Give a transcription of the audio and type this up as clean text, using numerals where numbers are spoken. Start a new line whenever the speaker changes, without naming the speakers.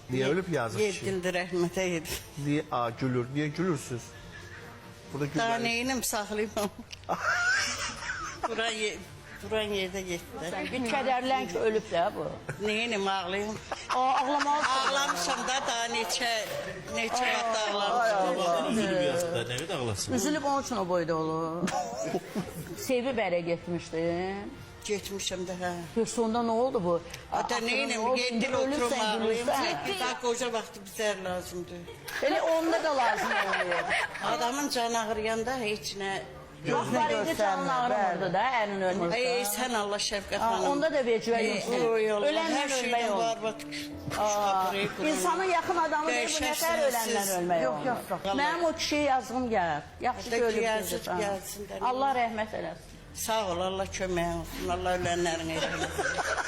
Niye ölüp yazık kişi?
7 ildir rəhmətə yedi.
Niye gülür? Niye gülürsünüz? Burada
Daha
gülür.
neyinim saxlayım. Duran yerdə getdi.
Bir kədərlən ki, ölüb də bu.
Neyinim ağlayım.
Ağlamalısın.
Ağlamışam da daha neçə vaxt ağlamışam.
Üzülüb yazıqda, nə qədər ağlasın?
Üzülüb onun üçün o boyda olur. Sevib ərə getmişdin.
Getmişəm də hə.
Sonda nə oldu bu?
Ata neyinim, 7 il oturum ağlayım. Daha qoca vaxtı bizər lazımdır.
Elə onda da lazım oluyor.
Adamın canı ağrıyanda heç nə...
Vaxtlar indi canın ağrımırdı da, ərin ölmürsə.
Ay sən Allah şəfqət xanım.
Onda da vecvə yoxdur. Ölənlə
Hər
ölmək
şeydən
olur.
var, bax.
İnsanın yaxın adamı deyir, bu nətər ölənlə ölmək olur. Yox. Mənim o kişiyə yazığım gəlir. Yaxşı ki, ölüb
Yazıq
gedir.
gəlsin də.
Allah rəhmət eləsin.
Sağ ol, Allah köməyin olsun, Allah ölənlərin eyləsin.